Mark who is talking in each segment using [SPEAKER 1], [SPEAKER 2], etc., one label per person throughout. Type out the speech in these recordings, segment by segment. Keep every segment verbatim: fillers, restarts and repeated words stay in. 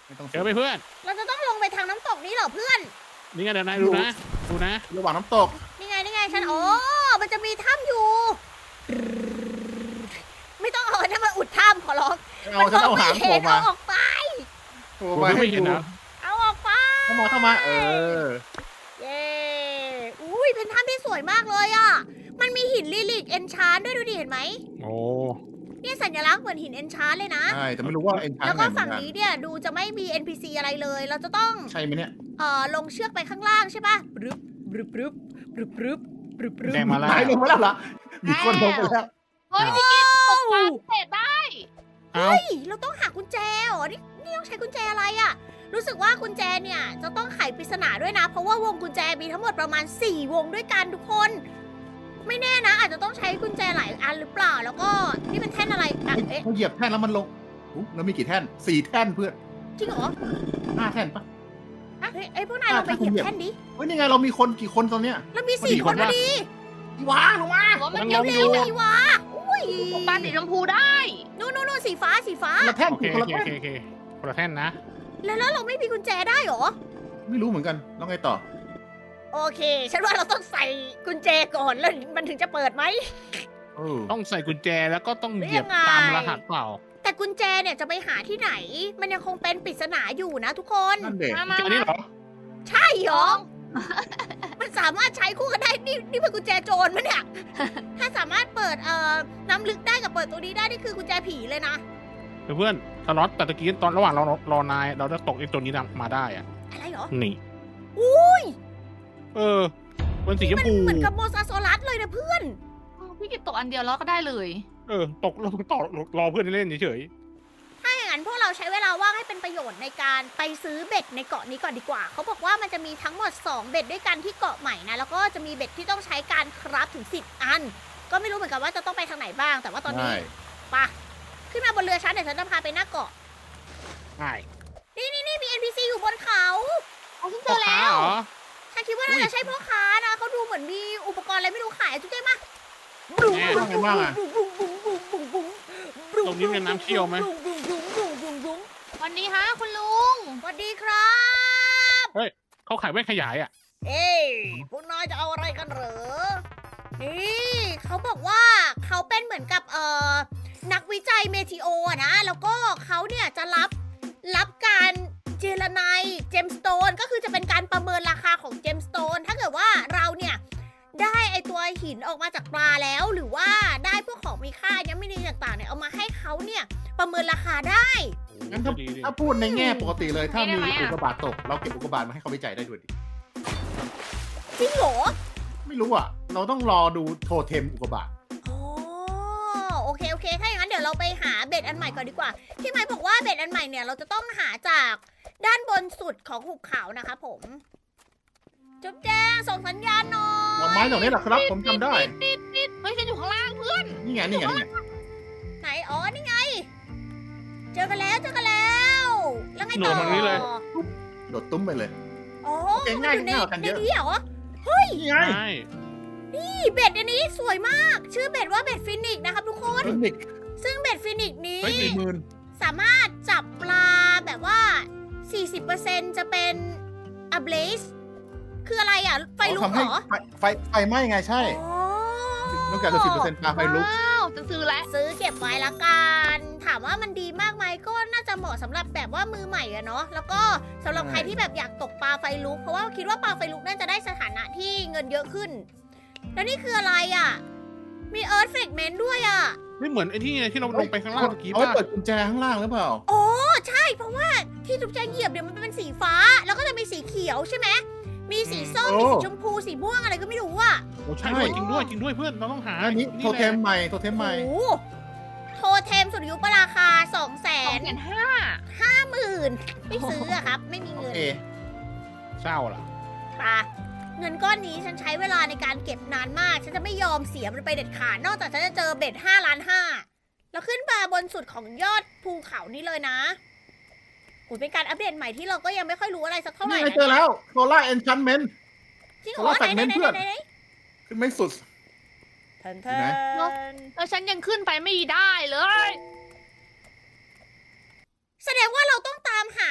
[SPEAKER 1] ไม่ต้อง
[SPEAKER 2] เจอไปเพื่อน
[SPEAKER 3] เราจะต้องลงไปทางน้ำตกนี้เหรอเพื่อน
[SPEAKER 2] นี่ไงเดี๋ยวนายดูนะดูนะ
[SPEAKER 1] ระหว่างน้ำตก
[SPEAKER 3] นี่ไงนี่ไงฉันโอ้มันจะมีถ้ำอยู่ ไม่ต้องเอาอันนั้นมาอุดถ้ำขอร้อง
[SPEAKER 1] เอาฉันเอาหาง
[SPEAKER 3] ไม่
[SPEAKER 1] โผล่
[SPEAKER 3] เห็น
[SPEAKER 1] มา
[SPEAKER 3] เอาออกไป
[SPEAKER 1] โผล่
[SPEAKER 2] ผม
[SPEAKER 1] มา
[SPEAKER 2] ไม่
[SPEAKER 1] ให้
[SPEAKER 2] เห็น
[SPEAKER 1] ดู
[SPEAKER 2] นะ
[SPEAKER 3] เอาออกไป
[SPEAKER 1] เข้ามาเข้ามาเออ
[SPEAKER 3] เย้อุ้ยเป็นถ้ำที่สวยมากเลยอ่ะ มันมีหินลิลิกเอนชานด้วยดูดิเห็นไหม
[SPEAKER 2] โอ้
[SPEAKER 3] เนี่ยสัญลักษณ์เหมือนหินเอนชานเลยนะ
[SPEAKER 1] ใช่แต่ไม่รู้ว่าเอ็นชา
[SPEAKER 3] แล้ว
[SPEAKER 1] ร์
[SPEAKER 3] ก็
[SPEAKER 1] ไหน
[SPEAKER 3] ฝั่งนี้เนี่ยดูจะไม่มี เอ็น พี ซี อะไรเลย เราจะต้อง
[SPEAKER 1] ใช่ไหมเนี่ย
[SPEAKER 3] เอ่อลงเชือกไปข้างล่างใช่ปะบรึบบรึบบรึบบรึบบรึบบรึบ
[SPEAKER 2] แดงมาแล้ว
[SPEAKER 1] ตายลงมาแล้วเหรอมีคนลงไปแล้ว
[SPEAKER 4] เฮ้ยพี่กิ๊ฟตกปลาเสร็จได้
[SPEAKER 2] เอ้า
[SPEAKER 3] เฮ้ยเราต้องหากุญแจเหรอนี่นี่ต้องใช้กุญแจอะไรอะรู้สึกว่ากุญแจเนี่ยจะต้องไขปริศนาด้วยนะ เพราะว่าวงกุญแจมีทั้งหมดประมาณสี่วงด้วยกันทุกคน ไม่แน่นะ อาจจะต้องใช้กุญแจหลายอันหรือเปล่า แล้วก็นี่เป็นแท่นอะไรอ่ะ
[SPEAKER 1] เฮ้ย
[SPEAKER 3] เอ๊ะ
[SPEAKER 1] เขาเหยียบแท่นแล้วมันลงอุ๊ยแล้วมีกี่แท่นสี่แท่นเพื่อน
[SPEAKER 3] จริงเหรอ
[SPEAKER 1] ห้าแท่นปะ
[SPEAKER 3] เฮ้ยไอ้ยพวกนายลองไปเหยียบแท่นดิ
[SPEAKER 1] เฮ้ยนี่ไงเรามีคนกี่คนตอนเนี้ย
[SPEAKER 3] เรามีสี่คนพอดี
[SPEAKER 1] ว้าลงมา
[SPEAKER 4] หัวมัน
[SPEAKER 2] ยัง
[SPEAKER 4] เย
[SPEAKER 2] ล
[SPEAKER 4] อะ
[SPEAKER 2] ง
[SPEAKER 3] เร็
[SPEAKER 2] อยู่
[SPEAKER 3] วๆดีวะอุ้ย
[SPEAKER 4] ตกปลาสีชมพูได้
[SPEAKER 3] นู่นนู่นนู่นสีฟ้าสีฟ้า
[SPEAKER 1] คนละแท่น
[SPEAKER 2] โอเค
[SPEAKER 1] คน
[SPEAKER 2] โอ
[SPEAKER 1] ละ
[SPEAKER 2] เค
[SPEAKER 1] แท่
[SPEAKER 2] โอน เคโอเคคนละแท่นนะ
[SPEAKER 3] แล้วแล้วเราไม่มีกุญแจได้เหรอ
[SPEAKER 1] ไม่รู้เหมือนกันแล้วไงต่อ
[SPEAKER 3] โอเค ฉันว่าเราต้องใส่กุญแจก่อนแล้วมันถึงจะเปิดไหม
[SPEAKER 1] เออ
[SPEAKER 2] ต้องใส่กุญแจแล้วก็ต้องเหยียบ
[SPEAKER 3] ยังไง
[SPEAKER 2] ตามรหัสเปล่า
[SPEAKER 3] แต่กุญแจเนี่ยจะไปหาที่ไหน มันยังคงเป็นปริศนาอยู่นะทุกคน
[SPEAKER 1] นั่นเด็ก
[SPEAKER 4] มามา
[SPEAKER 2] อันนี้เหรอ
[SPEAKER 3] ใช่เหรอ มันสามารถใช้คู่กันได้ นี่นี่เป็นกุญแจโจรมั้ยเนี่ย ถ้าสามารถเปิดเอ่อน้ำลึกได้กับเปิดตัวนี้ได้นี่คือกุญแจผีเลยนะ
[SPEAKER 2] เพื่อนสล็อตแต่ตะกี้ตอนระหว่างเรารอนายเราได้ตกไอ้ตัวนี้มาได้อะ
[SPEAKER 3] อะไรเหรอ
[SPEAKER 2] นี่
[SPEAKER 3] อุ้ย
[SPEAKER 2] เออเป็นสีชม
[SPEAKER 3] มัน
[SPEAKER 2] พู
[SPEAKER 3] เหมือนกับโมซาโซลัสเลยนะเพื่อน
[SPEAKER 4] พี่กิ๊ฟตกอันเดียวแล้วก็ได้เลย
[SPEAKER 2] เออตกเราต่อรอเพื่อนเล่นเฉย
[SPEAKER 3] ถ้าอย่างนั้นพวกเราใช้เวลาว่างให้เป็นประโยชน์ในการไปซื้อเบ็ดในเกาะนี้ก่อนดีกว่า เขาบอกว่ามันจะมีทั้งหมดสองเบ็ดด้วยกันที่เกาะใหม่นะ แล้วก็จะมีเบ็ดที่ต้องใช้การคราฟถึงสิบอัน ก็ไม่รู้เหมือนกันว่าจะต้องไปทางไหนบ้าง แต่ว่าตอนนี้
[SPEAKER 1] ใช่
[SPEAKER 3] ไปะขึ้นมาบนเรือฉันเดี๋ยวฉันจะพาไปหน้าเกาะ
[SPEAKER 2] ๆง่าย
[SPEAKER 3] นี่นี่นี่มี เอ็น พี ซี อยู่บนเขา
[SPEAKER 4] เอาฉันเจ
[SPEAKER 2] พ่อ
[SPEAKER 4] อ
[SPEAKER 2] ค้า
[SPEAKER 4] แล้ว
[SPEAKER 2] เหรอ
[SPEAKER 3] ฉันคิดว่าน่าจะใช่พ่อค้านะเขาดูเหมือนมีอุปกรณ์อะไรไม่รู้ขายทุกอย่างมา
[SPEAKER 2] แน่
[SPEAKER 1] ว่าไงบ้างอะ
[SPEAKER 2] ตรงนี้เป็นน้ำเชี่ยวไหม
[SPEAKER 4] วันนี้ฮะคุณลุง
[SPEAKER 3] สวัสดีครับ
[SPEAKER 2] เขาขายแว่นขยายอ่ะ
[SPEAKER 3] เอ้ยพวกนายจะเอาอะไรกันเหรอ นี่เขาบอกว่าเขาเป็นเหมือนกับเอ่อนักวิจัยเมทิโออะนะ แล้วก็เขาเนี่ยจะรับรับการเจรไนเจมสโตนก็คือจะเป็นการประเมินราคาของเจมสโตนถ้าเกิดว่าเราเนี่ยได้ไอตัวหินออกมาจากปลาแล้ว หรือว่าได้พวกของมีค่ายังไม่ดีต่างๆเนี่ยเอามาให้เขาเนี่ยประเมินราคาได้
[SPEAKER 1] งั้นถ้า
[SPEAKER 2] ดีดิ
[SPEAKER 1] ถ้าพูดในแง่ปกติเลย ถ้า
[SPEAKER 4] ได้
[SPEAKER 1] มี
[SPEAKER 4] ไหมอะ
[SPEAKER 1] อุกกาบาตตก เราเก็บอุกกาบาตมาให้เขาวิจัยได้ด้วยดิ
[SPEAKER 3] จริงเหรอ
[SPEAKER 1] ไม่รู้อ่ะ เราต้องรอดูโทเทมอุกกาบาต
[SPEAKER 3] อ๋อโอเคโอเคถ้าอย่างนั้นเดี๋ยวเราไปหาเบ็ดอันใหม่ก่อนดีกว่าพี่ไม้บอกว่าเบ็ดอันใหม่เนี่ยเราจะต้องหาจากด้านบนสุดของหุบเขานะคะผมจุ๊บแจ้งส่งสัญญาณหน่อ
[SPEAKER 1] ดอกไม้
[SPEAKER 3] ย
[SPEAKER 1] ดอกนี้แหละครับ ผมจำได้
[SPEAKER 4] นิดนิดเฮ้ยฉันอยู่ข้างล่างเพื่อน
[SPEAKER 1] นี่ไง นี่ไง นี่ไง
[SPEAKER 3] ไหนอ๋อนี่ไง เจอกันแล้วเจอกันแล้ว แล้วไง
[SPEAKER 2] หนู
[SPEAKER 3] ต่อ
[SPEAKER 2] ทางนี้เลย
[SPEAKER 1] โดดตุ้มไปเลย
[SPEAKER 3] อ๋อ
[SPEAKER 1] โอเคง่าย
[SPEAKER 3] มันอยู่ใน
[SPEAKER 1] ง่ายกว่ากัน
[SPEAKER 3] ใน
[SPEAKER 1] เยอะ
[SPEAKER 3] นี้เหรอ
[SPEAKER 1] นี่ไง
[SPEAKER 2] ใช่
[SPEAKER 3] นี่เบ็ดอันนี้สวยมาก ชื่อเบ็ดว่าเบ็ดฟินิกส์นะครับทุกคน
[SPEAKER 1] เทคนิค
[SPEAKER 3] ซึ่งเบ็ดฟินิกส์นี้
[SPEAKER 1] เฮ้ยสี่หมื่น
[SPEAKER 3] สามารถจับปลาแบบว่า สี่สิบเปอร์เซ็นต์ จะเป็น a blaze คืออะไรอ่ะ ไฟลุก
[SPEAKER 1] ทำ
[SPEAKER 3] เหร
[SPEAKER 1] ให้
[SPEAKER 3] อ
[SPEAKER 1] ไฟไฟไฟไหม้ไงใช่
[SPEAKER 3] อ๋อ
[SPEAKER 1] นอกจากจะสิบเปอร์เซ็นต์ปลาไฟลุก
[SPEAKER 4] ว้าวจะซื้อแล้ว
[SPEAKER 3] ซื้อเก็บไว้ละกัน ถามว่ามันดีมากไหมก็น่าจะเหมาะสำหรับแบบว่ามือใหม่อะเนาะ แล้วก็สำหรับ
[SPEAKER 1] ใช่
[SPEAKER 3] ใครที่แบบอยากตกปลาไฟลุก เพราะว่าคิดว่าปลาไฟลุกน่าจะได้สถานะที่เงินเยอะขึ้น แล้วนี่คืออะไรอ่ะ มี earth fragment ด้วยอ่ะ
[SPEAKER 2] ไม่เหมือนไอ้ที่ไงที่เราลงไปข้างล่างเมื่อกี้
[SPEAKER 1] เอาไว้
[SPEAKER 2] ป่ะ
[SPEAKER 1] เปิดกุญแจข้างล่างหรือเปล่า
[SPEAKER 3] โอ้ใช่เพราะว่าที่จุ๊บแจงเหยียบเนี่ยมันเป็นสีฟ้า แล้วก็จะมีสีเขียวใช่ไหมมีสีส้ม
[SPEAKER 1] โอ้
[SPEAKER 3] มีสีชมพูสีม่วงอะไรก็ไม่รู้อ่ะ
[SPEAKER 2] โอ้ใช่ด้วยจริงด้วยจริงด้วยเพื่อนเราต้องหา
[SPEAKER 1] อันนี้โทเทม
[SPEAKER 2] แหละ
[SPEAKER 1] ใหม่โทเทมใหม่
[SPEAKER 3] โอ้โหโทเทมสุริยุปราคาสองแส
[SPEAKER 4] สอง
[SPEAKER 3] น
[SPEAKER 4] แสนห้า
[SPEAKER 3] ห้าหมื่นไม่ซื้ออะครับ ไม่มี
[SPEAKER 1] โอ
[SPEAKER 3] เงิน
[SPEAKER 1] เค
[SPEAKER 2] เศร้าล่ะ
[SPEAKER 3] ปะเงินก้อนนี้ฉันใช้เวลาในการเก็บนานมาก ฉันจะไม่ยอมเสียมันไปเด็ดขาดนอกจากฉันจะเจอเบ็ดห้าล้านห้าแล้วขึ้นมาบนสุดของยอดภูเขานี้เลยนะโอ้ยเป็นการอัปเดตใหม่ที่เราก็ยังไม่ค่อยรู้อะไรสักเท่าไหร่
[SPEAKER 1] นี่ไง
[SPEAKER 3] นะ
[SPEAKER 1] เจอแล้วโซล่าเอนชันเมนต์
[SPEAKER 3] จริงเหรอ
[SPEAKER 1] โซล่า
[SPEAKER 3] ไหนไหน
[SPEAKER 1] fragment
[SPEAKER 3] ไหน
[SPEAKER 1] เพื่อน
[SPEAKER 3] ไหนไหน
[SPEAKER 1] ขึ้นไม่สุด
[SPEAKER 3] เทิน
[SPEAKER 1] อยู่
[SPEAKER 3] เทิ
[SPEAKER 1] ไหน
[SPEAKER 3] น
[SPEAKER 4] แล้วฉันยังขึ้นไปไม่ได้เลย
[SPEAKER 3] แสดงว่าเราต้องตามหา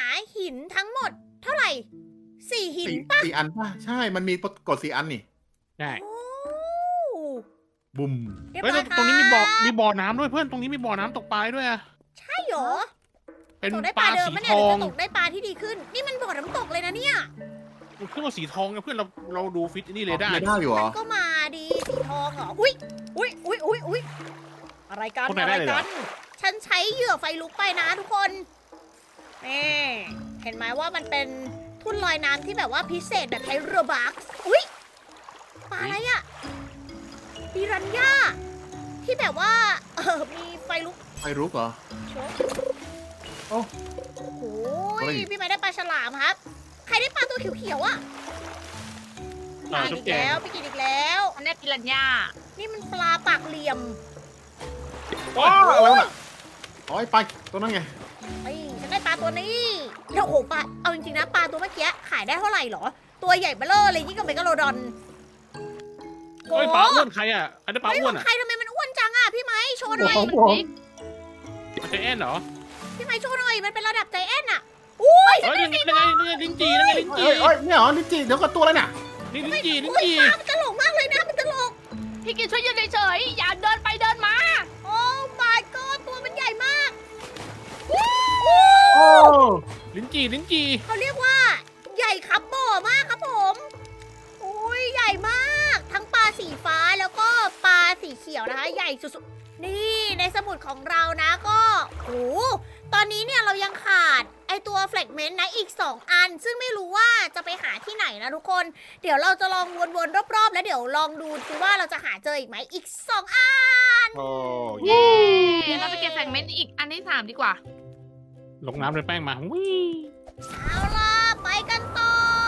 [SPEAKER 3] หินทั้งหมดเท่าไหร่สี่หิน
[SPEAKER 1] สี่
[SPEAKER 3] ปะ
[SPEAKER 1] สี่อันป่ะใช่มันมีกดสี่อันนี่
[SPEAKER 2] ใช่
[SPEAKER 3] โอ้
[SPEAKER 1] บุ้ม
[SPEAKER 3] เรียบ
[SPEAKER 2] เฮ้ย
[SPEAKER 3] ร้อย
[SPEAKER 2] ตรงนี้มีบ่อ
[SPEAKER 3] ครับ
[SPEAKER 2] มีบ่อน้ำด้วยเพื่อนตรงนี้มีบ่อน้ำตกปลาด้วยอะ
[SPEAKER 3] ใช่เหรอ
[SPEAKER 2] เป็น
[SPEAKER 3] ตกได้
[SPEAKER 2] ป
[SPEAKER 3] ป
[SPEAKER 2] ลา
[SPEAKER 3] ลาเดิม
[SPEAKER 2] สี
[SPEAKER 3] ปะ
[SPEAKER 2] ท
[SPEAKER 3] เนี่ยห
[SPEAKER 2] อ
[SPEAKER 3] รือง จะตกได้ปลาที่ดีขึ้น นี่มันบ่อน้ำตกเลยนะเนี่ย
[SPEAKER 2] มันขึ้นมาสีทองไงเพื่อนเราเราดูฟิตนี่เลยได้
[SPEAKER 1] ไม่ได้อยู่เหร
[SPEAKER 3] มั
[SPEAKER 1] อน
[SPEAKER 3] ก็มาดีสีทองเหรอ อุ้ยอุ้ยอุ้ยอุ้ยอุ้ยอะไรกัน
[SPEAKER 2] คนไหน
[SPEAKER 3] อะไร
[SPEAKER 2] ได้เลยเหร
[SPEAKER 3] กั
[SPEAKER 2] อ
[SPEAKER 3] น ฉันใช้เหยื่อไฟลุกไปนะทุกคนนี่เห็นไหมว่ามันเป็นทุ่นลอยน้ำที่แบบว่าพิเศษแบบใช้เรือบักอุ้ยปลาอะไรอะปิรันย่าที่แบบว่าเออมีไฟลุก
[SPEAKER 1] ไฟรุกเหรอ
[SPEAKER 3] โชว์
[SPEAKER 1] โอ้
[SPEAKER 3] โอ้โห
[SPEAKER 1] เฮ้ย
[SPEAKER 3] พี่ไม้ได้ปลาฉลามครับ ใครได้ปลาตัวเขียวๆอะ
[SPEAKER 2] เออ
[SPEAKER 3] กิน
[SPEAKER 2] จุ๊
[SPEAKER 3] อี
[SPEAKER 2] บ
[SPEAKER 3] ก
[SPEAKER 2] แจง
[SPEAKER 3] แล้วพี่กินอีกแล้ว
[SPEAKER 4] อันนี้ปิรันย่า
[SPEAKER 3] นี่มันปลาปากเหลี่ยม
[SPEAKER 1] ว้าวอะไรวะน่ะอ๋อไอ้ปลาตัวนั้นไง
[SPEAKER 3] ไอ้ยฉันได้ปลาตัวนี้แล้วโอ้โหปลา เอาจริงๆนะปลาตัวเมื่อกี้ขายได้เท่าไหร่เหรอ ตัวใหญ่เบ้อเร่อเลยยิ่งกับเมกะโลดอน
[SPEAKER 2] เฮ้ยปลาอ้วนใครอะอันนี้ปลา
[SPEAKER 3] ไม่
[SPEAKER 2] อ้
[SPEAKER 3] ข
[SPEAKER 2] ว
[SPEAKER 3] อน ง
[SPEAKER 2] อะ
[SPEAKER 3] ใครทำไมมันอ้วนจังอ่ะพี่ไม้โชว์หน่อย
[SPEAKER 1] โอ้โห
[SPEAKER 2] มันจะแอนเหรอ
[SPEAKER 3] พี่ไม้โชว์หน่อย มันเป็นระดับใจแอนอ่ะอุ้ย
[SPEAKER 2] เฮ้ยนี่ไงนี่ไงนี่ไงลิ้นจีนั่นไงลิ้นจี
[SPEAKER 1] เอ้ยเอ้ยเนี่ยเหรอลิ้นจีเดี๋ยวก็ตัวอะไรเนี่ย
[SPEAKER 2] นี่ลิ้นจีลิ้น
[SPEAKER 3] อุ้ย
[SPEAKER 2] จี
[SPEAKER 3] ปลามันตลกมากเลยนะ มันตลก
[SPEAKER 4] พี่กินช่วยยืนเฉยๆอย่าเดินไปเดินมา
[SPEAKER 3] โอ้ my god ตัวมันใหญ่มาก
[SPEAKER 1] โอ้
[SPEAKER 2] ลิ้นจีลิ้นจี
[SPEAKER 3] เขาเรียกว่า ใหญ่ครับบ่อมากครับผมอุ้ยใหญ่มาก ทั้งปลาสีฟ้าแล้วก็ปลาสีเขียวนะคะ ใหญ่สุดๆ นี่ในสมุดของเรานะก็โหตอนนี้เนี่ยเรายังขาดไอตัวแฟลกเมนต์นะอีก สอง อัน ซึ่งไม่รู้ว่าจะไปหาที่ไหนนะทุกคน เดี๋ยวเราจะลองวนๆรอบๆ แล้วเดี๋ยวลองดูซิว่าเราจะหาเจออีกไหมอีก สอง อัน
[SPEAKER 2] โอ้
[SPEAKER 4] เย้เราไปเก็บแฟกเมนต์อีกอันที่สามดีกว่า
[SPEAKER 2] ลงน้ำเลยแป้งมาวิ่ง
[SPEAKER 3] เอาล่ะไปกันต่อ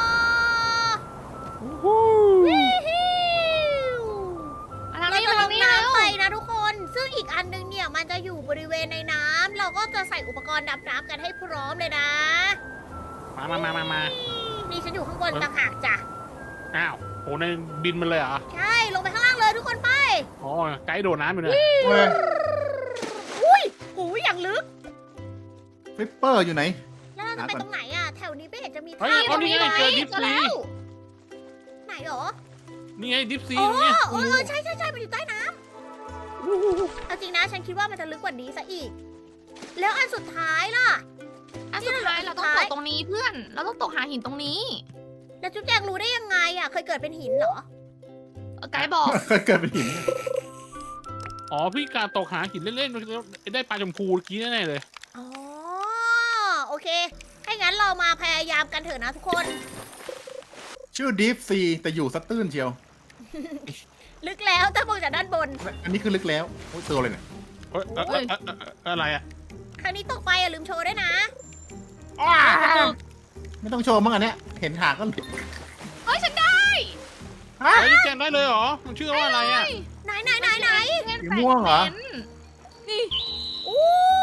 [SPEAKER 2] วู้ฮู้
[SPEAKER 3] วิฮิว
[SPEAKER 4] อันนั้น
[SPEAKER 3] เรา
[SPEAKER 4] นี่
[SPEAKER 3] จะ
[SPEAKER 4] มา
[SPEAKER 3] ล
[SPEAKER 4] ทาง
[SPEAKER 3] ง
[SPEAKER 4] นี้แล้ว
[SPEAKER 3] น้ำไปนะทุกคน ซึ่งอีกอันนึงเนี่ยมันจะอยู่บริเวณในน้ำเราก็จะใส่อุปกรณ์ดำน้ำกันให้พร้อมเลยนะ
[SPEAKER 2] มามามามามา
[SPEAKER 3] นี่ฉันอยู่ข้างบนต่างหากจ้ะ
[SPEAKER 2] อ้าวโหในบินมันเลยเหรอ
[SPEAKER 3] ใช่ ลงไปข้างล่างเลยทุกคนไป
[SPEAKER 2] อ๋อไกด์โดดน้ำอยู่เนี่ย
[SPEAKER 1] เว้ย
[SPEAKER 3] อุ้ยหูยอย่างลึก
[SPEAKER 1] ฟลิปเปอร์อยู่ไหน
[SPEAKER 3] แล้วเราจะไปตรงไหนอ่ะ แถวนี้ไม่เห็นจะมี
[SPEAKER 2] เฮ้ย
[SPEAKER 3] ท่า
[SPEAKER 2] เอานี่ไง
[SPEAKER 3] ลย
[SPEAKER 2] เจอดิฟ
[SPEAKER 3] เจอ
[SPEAKER 2] ซี
[SPEAKER 3] แล้วไหนหรอ
[SPEAKER 2] นี่ไงดิฟซี
[SPEAKER 3] อ๋อ
[SPEAKER 2] เนี่ย
[SPEAKER 3] เออเออใช่ใช่ใช่มันอยู่ใต้น้ำเอาจริงนะ ฉันคิดว่ามันจะลึกกว่านี้ซะอีก แล้วอันสุดท้ายล่ะ
[SPEAKER 4] อันสุดท้ายเราต้องตกตรงนี้เพื่อน เราต้องตกหาหินตรงนี้
[SPEAKER 3] แล้วจุ๊บแจงรู้ได้ยังไงอ่ะ เคยเกิดเป็นหินเหรอ
[SPEAKER 4] เออไกด์บอก
[SPEAKER 1] เคยเกิดเป็นหิน
[SPEAKER 2] อ๋อพี่การตกหาหินเล่นๆแล้วได้ปลาชมพูเมื่อกี้แน่ๆเลย
[SPEAKER 3] อ๋อ โอเค ให้งั้นเรามาพยายามกันเถอะนะทุกคน
[SPEAKER 1] ชื่อดีฟซีแต่อยู่สะตื้นเชียว
[SPEAKER 3] ลึกแล้วถ้ามองจากด้านบน
[SPEAKER 1] อันนี้คือลึกแล้วโอ้ยตัวอะไรเนี่ย
[SPEAKER 2] เฮ้ยเอ้ยเอ้ยเอ้ยเอ้ยเอ้ยอะไรอะ
[SPEAKER 3] ครั้งนี้ตกไปอย่าลืมโชว์ด้วยนะ
[SPEAKER 1] อ้าวไม่ต้องโชว์มั้งอันเนี้ยเห็นหางก็
[SPEAKER 4] เฮ้ยฉันได้
[SPEAKER 1] ฮะ
[SPEAKER 2] เฮ้ยแจงได้เลยเหรอมันชื่อว่าอะไรอะ
[SPEAKER 3] ไหนไหนไหนไหน
[SPEAKER 1] สีม่วงเหรอ
[SPEAKER 4] นี่
[SPEAKER 3] อู้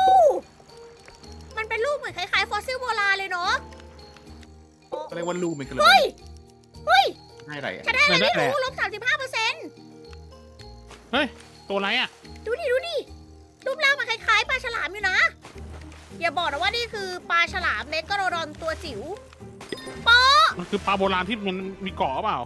[SPEAKER 3] มันเป็นรูปเหมือนคล้ายๆฟอสซิลโบราณเลยเนาะโอ้
[SPEAKER 1] ก็เรียกว่าลูกมันกันเลย
[SPEAKER 3] เฮ้ย เฮ้ย
[SPEAKER 1] ให้อะไรอะ
[SPEAKER 3] ฉันได้อะไร
[SPEAKER 2] ได้
[SPEAKER 3] ไม่
[SPEAKER 2] แหละ
[SPEAKER 3] รู้ลบสามสิบห้าเปอร์เซ็นต์
[SPEAKER 2] เฮ้ยตัวอะไรอะ
[SPEAKER 3] ดูดิดูดิรูปร่างมันคล้ายๆปลาฉลามอยู่นะ อย่าบอกนะว่านี่คือปลาฉลามเมกะโรดอนตัวจิ๋วปอ
[SPEAKER 2] มันคือปลาโบราณที่มันมีเกาะเปล่า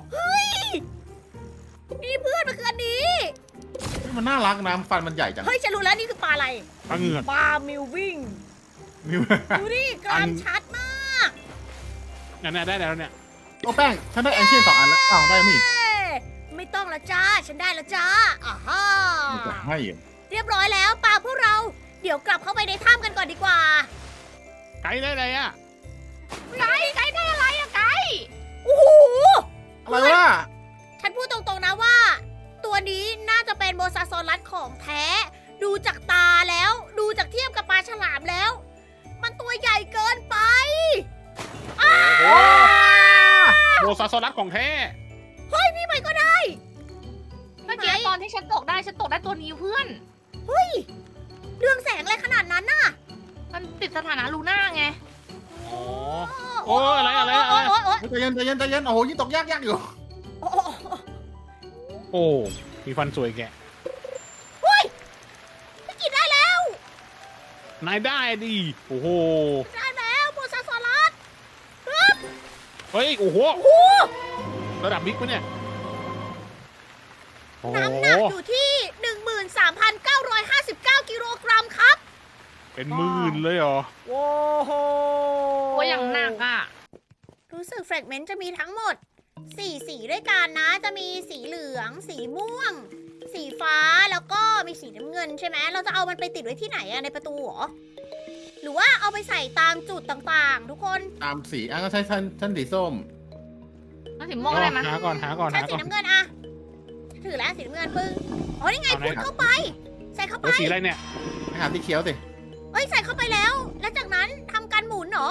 [SPEAKER 3] นี่เพื่อนมันคืออันนี้
[SPEAKER 1] มันน่ารักนะฟันมันใหญ่จัง
[SPEAKER 3] เฮ้ยฉันรู้แล้วนี่คือปลาอะไร
[SPEAKER 2] ปลาเหงือก
[SPEAKER 3] ปลามิววิ่ง
[SPEAKER 1] มิว
[SPEAKER 3] ดูดิกรามชัดมาก
[SPEAKER 2] เนี่ยเนี่ยได้แล้วเนี่ย
[SPEAKER 1] โอ้แป้งฉันได้แอนเชียนสองอันแล้วอ้าวได้นี่
[SPEAKER 3] เอ้ยไม่ต้องละจ้า ฉันได้ละจ้าอ่าฮะ
[SPEAKER 1] มันจะให้เหรอ
[SPEAKER 3] เรียบร้อยแล้วปลาพวกเรา เดี๋ยวกลับเข้าไปในถ้ำกันก่อนดีกว่า
[SPEAKER 2] ไกด์ได้อะไรอะ
[SPEAKER 4] ไกด์ไกด์ได้อะไรอะไกด์
[SPEAKER 3] โอ้โห
[SPEAKER 1] อะไรวะ
[SPEAKER 3] ฉันพูดตรงๆนะว่า ตัวนี้น่าจะเป็นโมซาซอรัสของแท้ ดูจากตาแล้ว ดูจากเทียบกับปลาฉลามแล้ว มันตัวใหญ่เกินไปอ้า
[SPEAKER 1] โอ้
[SPEAKER 2] โบซาซอรัสของแท้
[SPEAKER 3] เฮ้ยพี่ใหม่ก็ได้
[SPEAKER 4] เมื่อกี้ตอนที่ฉันตกได้ฉันตกได้ตัวนี้เพื่อน
[SPEAKER 3] เฮ้ย เรื่องแสงอะไรขนาดนั้นน่ะ
[SPEAKER 4] มันติดสถานะลูน่าไง
[SPEAKER 2] อ๋อ โอ้อะไรอะไรอะไร
[SPEAKER 3] โอ๊ยโอ๊ยโอ๊ย
[SPEAKER 1] ใจเย็นใจเย็นใจเย็นโอ้โหยิ่งตกยากยากอยู่
[SPEAKER 3] โอ๊ยโอ๊ย
[SPEAKER 2] โอ้มีฟันสวยแกะ
[SPEAKER 3] พี่กินได้แล้ว
[SPEAKER 2] นายได้ดิโอ้โห
[SPEAKER 3] ได้แล้วโมซาซอรัส
[SPEAKER 2] เฮ้ยโอ้โหระดับบิ๊กปะเนี่ยโอ้โห
[SPEAKER 3] น้ำหนักอยู่ที่ หนึ่งหมื่นสามพันเก้าร้อยห้าสิบเก้า กิโลกรัมครับ
[SPEAKER 2] เป็นหมื่นเลยเหรอ
[SPEAKER 3] โว้โห
[SPEAKER 4] ตัวอย่างหนักอ่ะ
[SPEAKER 3] รู้สึกแฟรกเมนต์จะมีทั้งหมด สี่ สีด้วยกันนะ จะมีสีเหลือง สีม่วง สีฟ้า แล้วก็มีสีน้ำเงินใช่ไหม เราจะเอามันไปติดไว้ที่ไหนอะในประตูเหรอ หรือว่าเอาไปใส่ตามจุดต่างๆ ทุกคน
[SPEAKER 1] ตามสีอ่ะก็ใช้ชั้นชั้นสีส้ม
[SPEAKER 4] มาถึงม่วงอะไรมา
[SPEAKER 2] หาก่อนหาก่อน
[SPEAKER 3] ใช้
[SPEAKER 2] หา
[SPEAKER 3] สี
[SPEAKER 2] ก่อน
[SPEAKER 3] น้ำเงินอะถือแล้วสีน้ำเงินปึ้งอ๋อนี่ไง
[SPEAKER 2] เอาไหน
[SPEAKER 3] พูดเข้าไป ใส่เข้าไป
[SPEAKER 2] แล้วสีอะไรเนี่ย
[SPEAKER 1] ไปหาสีเขียวสิ
[SPEAKER 3] เอ้ยใส่เข้าไปแล้ว แล้วจากนั้นทำการหมุนเหรอ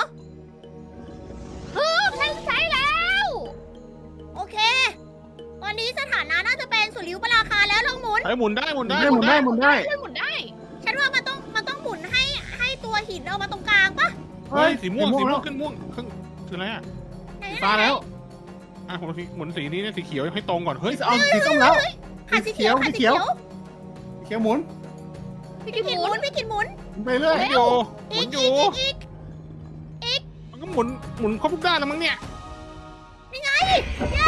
[SPEAKER 4] ฉันใช้แล้ว
[SPEAKER 3] โอเค ตอนนี้สถานะน่าจะเป็นสุริยุปราคาแล้วลองหมุน
[SPEAKER 2] เฮ้ยหมุนได้หมุนได้
[SPEAKER 1] ได้หมุนได้หมุนได้
[SPEAKER 4] ช่วยหมุนได้
[SPEAKER 3] ฉันว่ามันต้องมันต้องหมุนให้ให้ตัวหินเอามาตรงกลางปะ
[SPEAKER 2] เฮ้ยสีม่วงสีม่ว
[SPEAKER 1] แล้ว
[SPEAKER 2] งขึ้นม่วงขึ้นคืออะไรอ่ะ
[SPEAKER 3] ไหน
[SPEAKER 1] สี
[SPEAKER 3] ๆๆ
[SPEAKER 1] ฟ้าแล้ว
[SPEAKER 2] อ่ะหมุนสีหมุนสีนี้เนี่ยสีเขียวให้ตรงก่อนเฮ้ย
[SPEAKER 1] เอาสีส้มแล้ว
[SPEAKER 3] ขาดสีเขียวขาดสีเขียว
[SPEAKER 1] สีเขียวหมุน
[SPEAKER 3] พี่กินหมุนพี่กินหมุน
[SPEAKER 1] ไปเรื่
[SPEAKER 2] ห
[SPEAKER 1] อย
[SPEAKER 2] มุนอยู่ห
[SPEAKER 3] อี
[SPEAKER 2] มุ
[SPEAKER 3] ก
[SPEAKER 2] นอ
[SPEAKER 3] อี
[SPEAKER 2] ยู่
[SPEAKER 3] กอีกอีก
[SPEAKER 2] มันก็หมุนหมุนครบทุกด้านแล้วมั้งเนี่ย
[SPEAKER 3] นี่ไงเย้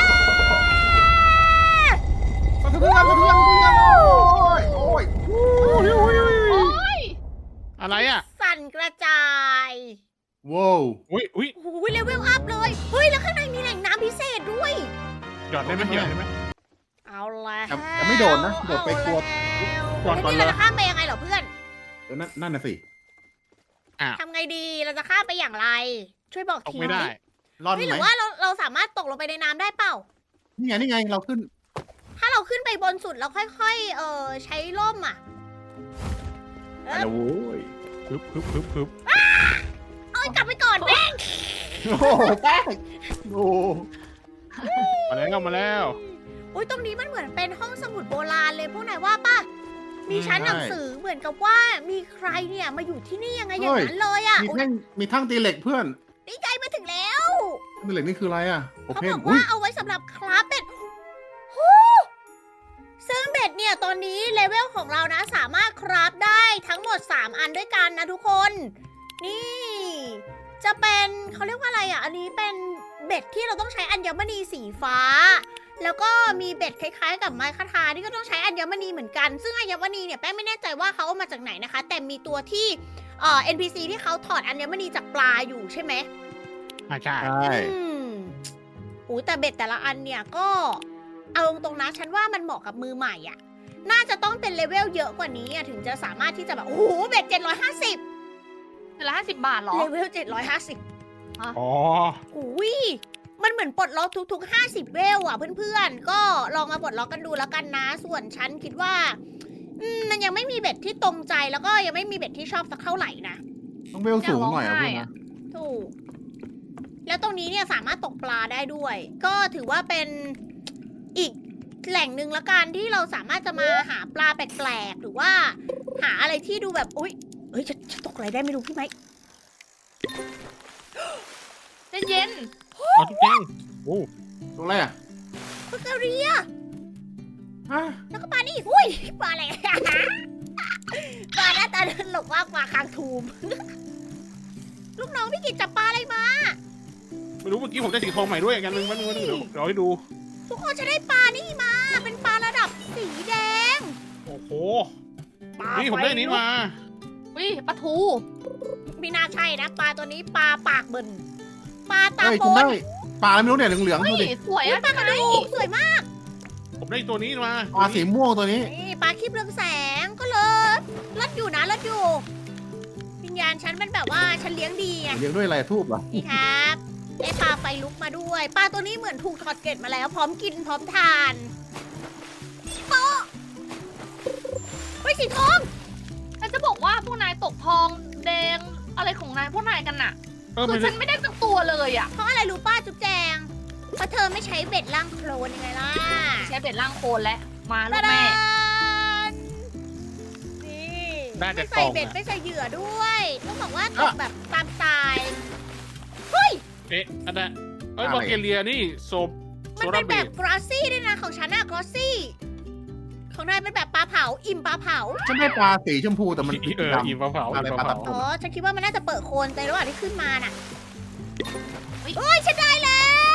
[SPEAKER 1] สะเทือนสะเทือนสะเทือนโอ้ยโอ้ย
[SPEAKER 4] โอ้ย
[SPEAKER 2] อะไรอ่ะ
[SPEAKER 3] สั่นกระจาย
[SPEAKER 1] ว้าว
[SPEAKER 2] อุ้ยอุ้ย
[SPEAKER 3] โอ้โหเลเวลอัพเลย เฮ้ย แล้วข้างในมีแหล่งน้ำพิเศษด้วย
[SPEAKER 2] หยอดได้ไหมหยอดได้ไหม
[SPEAKER 3] เอาแล้ว
[SPEAKER 1] แต่แต่ไม่โดดนะโดดไปกลัว
[SPEAKER 2] ก่อนก่อน
[SPEAKER 3] นี่
[SPEAKER 2] เลย
[SPEAKER 3] เราจะข้ามไปยังไงเหรอเพื่อน
[SPEAKER 1] เออนั่นนั่นน่ะสิ
[SPEAKER 3] ทำไงดี เราจะข้ามไปอย่างไร ช่วยบอก
[SPEAKER 2] ตก
[SPEAKER 3] ที
[SPEAKER 2] ไม่ได้
[SPEAKER 1] รอด
[SPEAKER 3] เฮ้ยห
[SPEAKER 1] ไหม
[SPEAKER 3] รือว่าเราเราสามารถตกลงไปในน้ำได้เปล่า
[SPEAKER 1] นี่ไงนี่ไงเราขึ้น
[SPEAKER 3] ถ้าเราขึ้นไปบนสุดเราค่อย ๆ เออใช้ร่มอ่ะ
[SPEAKER 1] ไปแล้วโว้ย
[SPEAKER 2] ฮึบฮึบฮึบฮึบ
[SPEAKER 3] เอ้ยกลับไปก่อนแม่ง
[SPEAKER 1] โอ้โหแป้งโอ้
[SPEAKER 2] มาแล้วมาแล้ว
[SPEAKER 3] อุ้ยตรงนี้มันเหมือนเป็นห้องสมุดโบราณเลยพวกนายว่าป่ะ มีชั้นหนังสือเหมือนกับว่ามีใครเนี่ยมาอยู่ที่นี่ยังไงอย่างนั้นเลยอ่ะ
[SPEAKER 1] มี
[SPEAKER 3] อุ๊ย
[SPEAKER 1] แท่งมีทั้งตีเหล็กเพื่อน
[SPEAKER 3] ดีใจมาถึงแล้ว
[SPEAKER 1] ตีเหล็กนี่คืออะไรอ่ะโอ
[SPEAKER 3] เขา
[SPEAKER 1] เพ
[SPEAKER 3] บ
[SPEAKER 1] น
[SPEAKER 3] อก
[SPEAKER 1] อุ้
[SPEAKER 3] ว่าย เอาไว้สำหรับคราฟเบ็ดฮู้ซึ่งเบ็ดเนี่ยตอนนี้เลเวลของเรานะสามารถคราฟได้ทั้งหมด สาม อันด้วยกันนะทุกคน นี่ จะเป็นเขาเรียกว่าอะไรอ่ะ อันนี้เป็นเบ็ดที่เราต้องใช้อัญมณีสีฟ้า แล้วก็มีเบ็ดคล้ายๆ กับไม้คาทาที่ก็ต้องใช้อัญมณีเหมือนกัน ซึ่งอัญมณีเนี่ยแป้งไม่แน่ใจว่าเขาเอามาจากไหนนะคะ แต่มีตัวที่เอ่อ เอ็น พี ซี ที่เขาถอดอัญมณีจากปลาอยู่ใช่ไหม
[SPEAKER 2] อ่าใช่
[SPEAKER 1] ใช่
[SPEAKER 3] อืมโอ้แต่เบ็ดแต่ละอันเนี่ยก็เอาตรงๆนะฉันว่ามันเหมาะกับมือใหม่อ่ะ น่าจะต้องเป็นเลเวลเยอะกว่านี้อะถึงจะสามารถที่จะแบบ โอ้โห เบ็ดเจ็ดร้อยห้าสิบ
[SPEAKER 4] เดือนละห้าสิบบาทเหรอ
[SPEAKER 3] เลเวลเจ็ดร้อยห้าสิบ
[SPEAKER 2] อ๋อ
[SPEAKER 3] อุ้ยมันเหมือนปลดล็อกทุกๆห้าสิบเวลอ่ะเพื่อนๆ ก็ลองมาปลดล็อกกันดูแล้วกันนะ ส่วนฉันคิดว่าอืมมันยังไม่มีเบ็ดที่ตรงใจแล้วก็ยังไม่มีเบ็ดที่ชอบสักเท่าไหร่นะ
[SPEAKER 1] ต้องเวลสูงหน่อยอ่ะ
[SPEAKER 4] อยากลองได้
[SPEAKER 1] เพื่อน
[SPEAKER 4] อะ
[SPEAKER 1] นะ
[SPEAKER 3] ถูก แล้วตรงนี้เนี่ยสามารถตกปลาได้ด้วย ก็ถือว่าเป็นอีกแหล่งหนึ่งละกันที่เราสามารถจะมาหาปลาแปลกๆ หรือว่าหาอะไรที่ดูแบบ อุ๊ยเอ้ยจะจะตกอะไรได้ไม่รู้พี่ไหม
[SPEAKER 4] เย็น
[SPEAKER 2] เอาทุกแจ้งโอ้
[SPEAKER 1] ตรงอะไรอ่ะ
[SPEAKER 3] ปลากระเรีย
[SPEAKER 1] ฮะ
[SPEAKER 3] แล้วก็ปลานี่อุ้ยปลาอะไร ปลาหน้าตาตลกมากปลาคางทูม ลูกน้องพี่กิจจับปลาอะไรมา
[SPEAKER 2] ไม่รู้เมื่อกี้ผมได้สีทองใหม่ด้วยกันนึงวันนึงวันนึงเดี๋ยวเดี๋ยวให้ดู
[SPEAKER 3] ทุกคนจะได้ปลานี่มา เป็นปลาระดับสีแดง
[SPEAKER 2] โอ้โห
[SPEAKER 3] ปลา
[SPEAKER 2] นี่ผมได้อันนี้มา
[SPEAKER 4] ๆวิปลาทู
[SPEAKER 3] ไม่น่าใช่นะ ปลาตัวนี้ปลาปากเบิ่นปลาตา
[SPEAKER 1] เฮ้ย
[SPEAKER 3] โป
[SPEAKER 1] คุณ
[SPEAKER 3] น
[SPEAKER 1] ได้ปลาอะไรไม่รู้เนี่ยเหลืองๆ
[SPEAKER 4] เฮ้
[SPEAKER 1] ดู
[SPEAKER 4] ย
[SPEAKER 1] ดิ
[SPEAKER 4] สวย
[SPEAKER 3] อุ๊ย
[SPEAKER 4] อะ
[SPEAKER 3] ปลากระดูกสวยมาก
[SPEAKER 2] ผมได้ตัวนี้มา
[SPEAKER 1] ปลาสีม่วงตัวนี้
[SPEAKER 3] นี่ปลาคลิปเรืองแสงก็เลยรัดอยู่นะรัดอยู่ วิญญาณฉันมันแบบว่าฉันเลี้ยงดีไง
[SPEAKER 1] เลี้ยงด้วยอะไรทูบเหรอ
[SPEAKER 3] นี่ครับได้ปลาไฟลุกมาด้วย ปลาตัวนี้เหมือนถูกถอดเกล็ดมาแล้ว พร้อมกินพร้อมทานโป๊ะเฮ้ยสีทอง
[SPEAKER 4] ฉันจะบอกว่าพวกนายตกทองแดงอะไรของนายพวกนายกันน่ะ
[SPEAKER 2] เออ
[SPEAKER 4] คื
[SPEAKER 2] ไม่
[SPEAKER 4] อ
[SPEAKER 2] ใช่
[SPEAKER 4] ฉันไม่ได้สักตัวเลยอ่ะ
[SPEAKER 3] เพราะอะไรรู้ป้าจุ๊บแจงเพราะเธอไม่ใช้เบ็ดล่างโคลนยังไงล่ะ
[SPEAKER 4] ใช้เบ็ดล่างโคลนแล้วมาลู
[SPEAKER 3] ตาก
[SPEAKER 4] แม่
[SPEAKER 3] ดานนี่
[SPEAKER 2] ได้แต่
[SPEAKER 3] ไม่
[SPEAKER 2] ก
[SPEAKER 3] ใส่
[SPEAKER 2] ล่อง
[SPEAKER 3] เบ็ด
[SPEAKER 2] อะ
[SPEAKER 3] ไม่ใส่เหยื่อด้วยต้องบอกว่าตก
[SPEAKER 1] อ่ะ
[SPEAKER 3] แบบตามสไตล์
[SPEAKER 2] เอ๊ะอันนั้นเอ้ย
[SPEAKER 1] อะไร
[SPEAKER 2] บอลเกเลียนี่โซบ
[SPEAKER 3] มัน
[SPEAKER 2] โซ
[SPEAKER 3] เป็
[SPEAKER 2] ดาน เบ
[SPEAKER 3] แบบ
[SPEAKER 2] ด
[SPEAKER 3] กราซี่ด้วยนะของฉันอะกราซี่ ของนายเป็นแบบปลาเผา อิ่มปลาเผา
[SPEAKER 1] ฉันได้ปลาสีชมพูแต่มัน
[SPEAKER 2] เออ
[SPEAKER 1] ดำ
[SPEAKER 2] อีมะเผา
[SPEAKER 1] อะไร
[SPEAKER 2] อีมะ
[SPEAKER 1] ปลา
[SPEAKER 2] เผา
[SPEAKER 1] ตะ
[SPEAKER 3] อ๋อ ฉันคิดว่ามันน่าจะเปิดโคนในระหว่างที่ขึ้นมาน่ะเฮ้ยฉันได้แล้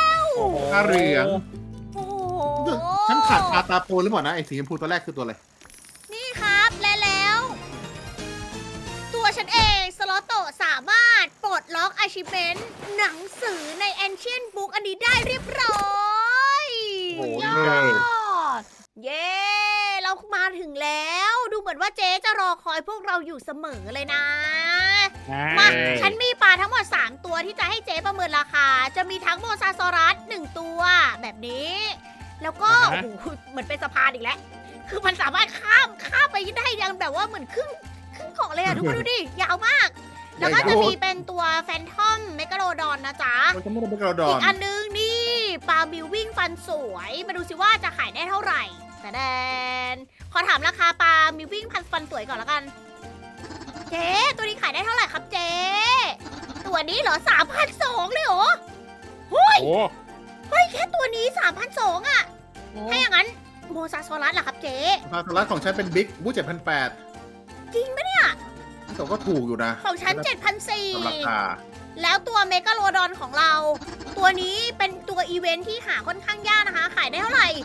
[SPEAKER 1] ตาเหลือง
[SPEAKER 3] โอ้โห
[SPEAKER 1] ฉันขาดปลาตาโพนหรือเปล่านะไอ้สีชมพูตัวแรกคือตัวอะไร
[SPEAKER 3] นี่ครับและแล้ว ตัวฉันเองสล็อตโตสามารถปลดล็อกอาชิเมนหนังสือใน Ancient Book อันนี้ได้เรียบร้อย
[SPEAKER 1] โอ้โห
[SPEAKER 4] ย
[SPEAKER 1] เย้
[SPEAKER 4] อด
[SPEAKER 3] เย้ เรามาถึงแล้ว ดูเหมือนว่าเจ๊จะรอคอยพวกเราอยู่เสมอเลยนะ มา ฉันมีปลาทั้งหมด สาม ตัวที่จะให้เจ๊ประเมินราคา จะมีทั้งโมซาซอรัสหนึ่งตัวแบบนี้ แล้วก็
[SPEAKER 2] อ่า
[SPEAKER 3] โอ้
[SPEAKER 2] ฮะ
[SPEAKER 3] โหเหมือนเป็นสะพานอีกแล้ว คือมันสามารถข้ามข้ามไปได้ยังแบบว่าเหมือนครึ่งครึ่งเกาะเลยอะทุกคนดูดิ ยาวมาก แล้วก็จะมีเป็นตัวแฟนทอมเมกาโลดอนนะจ๊ะ
[SPEAKER 1] เราจะไม่ได้เป็นกระดอ
[SPEAKER 3] อี
[SPEAKER 1] น
[SPEAKER 3] กอันนึงนี่ปลาบิววิ่งฟันสวย มาดูสิว่าจะขายได้เท่าไหร่ แต่แดน ขอถามราคาปลาบิววิ่งพันฟันสวยก่อนแล้วกัน เจ๊ตัวนี้ขายได้เท่าไหร่ครับเจ๊ตัวนี้เหรอสามพันสองเลยเหรอ
[SPEAKER 2] โอ้
[SPEAKER 3] เฮ้ยแค่ตัวนี้สามพันสองอะถ้าอย่างนั้นโมซาซอรัสล่ะครับเจ๊
[SPEAKER 1] ปลาสลัดของฉันเป็นบิ๊กบู๊เจ็ดพันแปด
[SPEAKER 3] จริงปะเนี่ย
[SPEAKER 1] แต่ก็ถูกอยู่นะ
[SPEAKER 3] ของฉันเจ็ดพันสี่
[SPEAKER 1] สำหรับราคา
[SPEAKER 3] แล้วตัวเมกาโลดอนของเรา ตัวนี้เป็นตัวอีเวนท์ที่หาค่อนข้างยากนะคะ ขายได้เท่าไหร่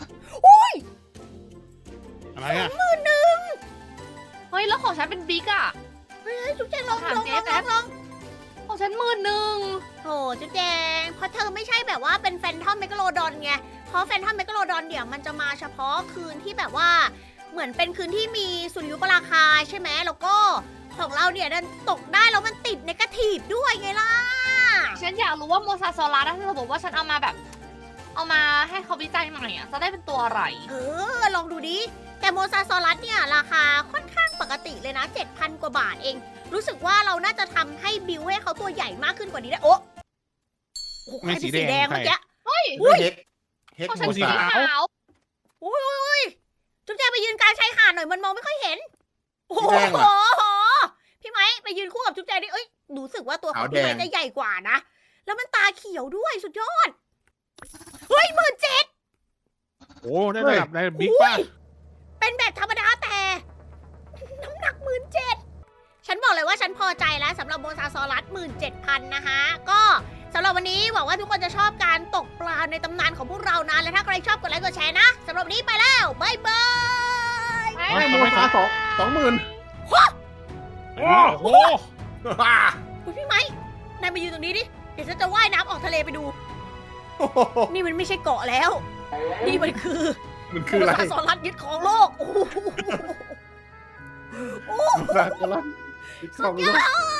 [SPEAKER 2] อะไรอ่ะ
[SPEAKER 3] หมื่นหนึ่ง
[SPEAKER 4] เฮ้ย แล้วของฉันเป็นบิ๊กอ่ะ
[SPEAKER 3] เฮ้ยจุ๊บแจงลอง
[SPEAKER 4] ถาม
[SPEAKER 3] ลอง
[SPEAKER 4] เจ๊
[SPEAKER 3] ลอง
[SPEAKER 4] แป๊
[SPEAKER 3] ลอบ งลอง
[SPEAKER 4] ของฉันหมื่นหนึ่ง
[SPEAKER 3] โอ้จุ๊บแจงเพราะเธอไม่ใช่แบบว่าเป็นแฟนทอมเมกาโลดอนไง เพราะแฟนทอมเมกาโลดอนเดี๋ยวมันจะมาเฉพาะคืนที่แบบว่า เหมือนเป็นคืนที่มีสุริยุปราคาใช่ไหมแล้วก็ของเราเนี่ยดันตกได้แล้วมันติดเนกาทีฟด้วยไงล่ะ
[SPEAKER 4] ฉันอยากรู้ว่าโมซาซอรัสถ้าสมมติว่าฉันเอามาแบบ เอามาให้เขาวิจัยใหม่อ่ะ จะได้เป็นตัวอะไร
[SPEAKER 3] เออ ลองดูดิ แต่โมซาซอรัสเนี่ย ราคาค่อนข้างปกติเลยนะ เจ็ดพัน กว่าบาทเอง รู้สึกว่าเราน่าจะทำให้บิวให้เขาตัวใหญ่มากขึ้นกว่านี้ได้ โอ้โอ้โหใครเป็นสีแดงเมื่อกี้
[SPEAKER 4] เฮ้ย
[SPEAKER 3] อุ้ย
[SPEAKER 1] เฮกเฮก
[SPEAKER 4] ของ
[SPEAKER 1] โม
[SPEAKER 4] ฉันสี
[SPEAKER 1] ซา
[SPEAKER 4] ขาว
[SPEAKER 3] อุ้ยอุ้ยอุ้ยจุ๊บแจงไปยืนกลางชายหาดหน่อยมันมองไม่ค่อยเห็น โอ้โหพี่ไม้ไปยืนคู่กับจุ๊บแจงดิเอ้ยรู้สึกว่าตัวของพี่ไม้จะใหญ่กว่านะ แล้วมันตาเขียวด้วยสุดยอด เฮ้ยหมื่นเจ็ด
[SPEAKER 2] โหได้ระดับได้บิ๊กป่ะ
[SPEAKER 3] เป็นแบบธรรมดาแต่ น้ำหนักหมื่นเจ็ดฉันบอกเลยว่าฉันพอใจแล้วสำหรับโมซาซอรัสหมื่นเจ็ดพันนะคะ ก็สำหรับวันนี้หวังว่าทุกคนจะชอบการตกปลาในตำนานของพวกเรานะ และถ้าใครชอบกดไลค์กดแชร์นะสำหรับวันนี้ไปแล้วบายบาย
[SPEAKER 4] ไม่
[SPEAKER 1] ไม่โมซาสองสองหมื่น
[SPEAKER 2] โอ้โห
[SPEAKER 3] คุณพี่ไม้นายมายืนตรงนี้ดิ เดี๋ยวฉันจะว่ายน้ำออกทะเลไปดู นี่มันไม่ใช่เกาะแล้ว นี่มันคือ
[SPEAKER 1] มัน
[SPEAKER 3] โม
[SPEAKER 1] คืออะไร
[SPEAKER 3] ซาซอรัสยึดของโลก โอ้โห
[SPEAKER 1] โมซาสลัดอีกสองลูก
[SPEAKER 3] ยอ